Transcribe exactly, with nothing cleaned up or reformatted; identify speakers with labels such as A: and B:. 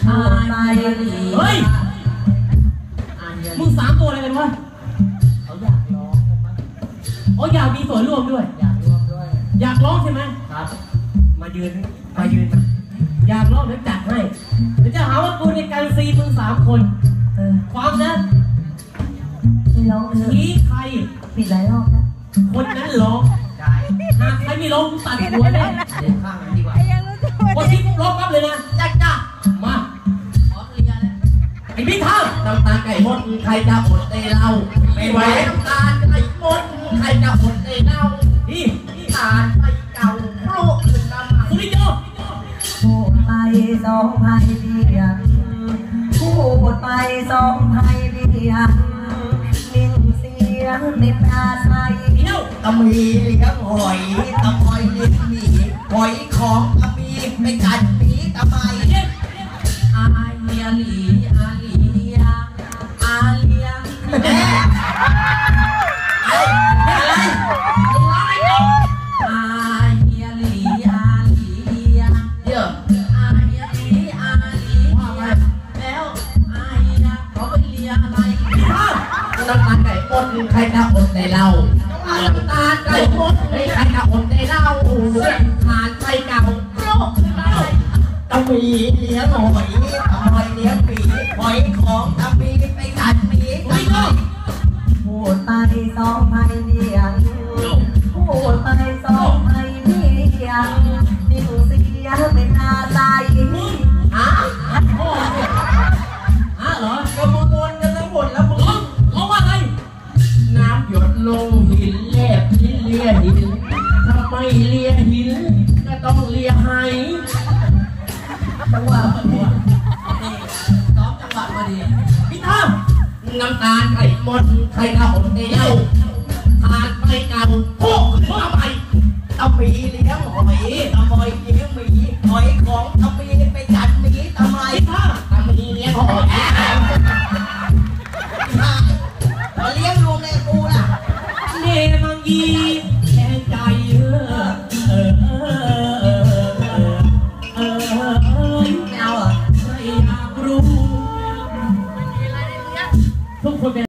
A: เฮ้ยมึงสามตัวอะไรกันวะ
B: เขาอยากร้องกันมั้ง
A: อ๋ออยากมีส่วนร่วมด้วย
B: อยากร่วมด้วย
A: อยากร้องใช่ไหม
B: ครับ
A: มายืนมายืนมาอยากร้องเดี๋ยวจัดให้เดี๋ยวจะหาว่ากูในการซีมึงสามคนเออความนะ
C: ไม่ร้องเลย
A: ชี้ใคร
C: ปิดหลายรอบแล้ว
A: คนนั้นร้อง
B: ได้
A: หากใครไม่ร้องตัดหัวเลย
B: เดี๋ยวข้างนั้นดีกว่า
A: คนที่ร้องปั๊บเลยนะจ้าจ้ามา
B: ขอเคลียร์แล้ว
A: ไอ้พี่เท่า
B: น้ำตาไก่มดใครจะอดได้เล่าไม่ไหวน้ำตาไก่มดใครจะอดได้เล่า
A: นี่
B: นี่ตาไปเก่าโปรกขึ้นมา
A: สุริโย
C: พูดไปสองไพ่เดียงพูดไปสองไพ่เดียงนิ่งเสียงไม่ปราศัย
B: ตะมีเลี้ยงหอยตะมอยเลี้ยงหมีหอยของตะมีไปกัดหมีตะไมอาเลียลีอาเลียอาเลียแม่อะไรอะไรอาเลียลีอาเลียเดี๋ยวอาเลียลีอาเลียแล้วอาเลียเขาไปเลียอะไรน้ำตาไก่มดใครจะอดในเราน้ำตาไก่มดใครจะอดในเราทานไฟเก่าโรคขึ้นมาตะมีเลี้ยงหอยตะมอยเลี้ยงหมีหอยของตะมีไปกัดหมีไม่ก็
C: พูดไปสองไพ่เดียงพูดไปสองไพ่เดียงนิ่งเสียงไม่ปราศัย
A: ฮะฮะเหรอ
B: ก็มวนกันทั้งหมดแล้วมึง
A: ร้องว่าไง
B: น้ำหยดลงหินแลบหินเลียหินถ้าไม่เลียหินก็ต้องเลียไห
C: จังหวะพอดี
B: ซ้อมจังหวะพอดี
A: พี่ท่า
B: น้ำตาไก่มดใครเอาในเล่าทานไปเก่าโค้ขึ้นมาใหม่ตะมีเลี้ยงหอยตะมอยเลี้ยงหมีหอยของตะมีไปกัดหมีตะไม
A: พี่ท่า
B: ตะมีเลี้ยงหอย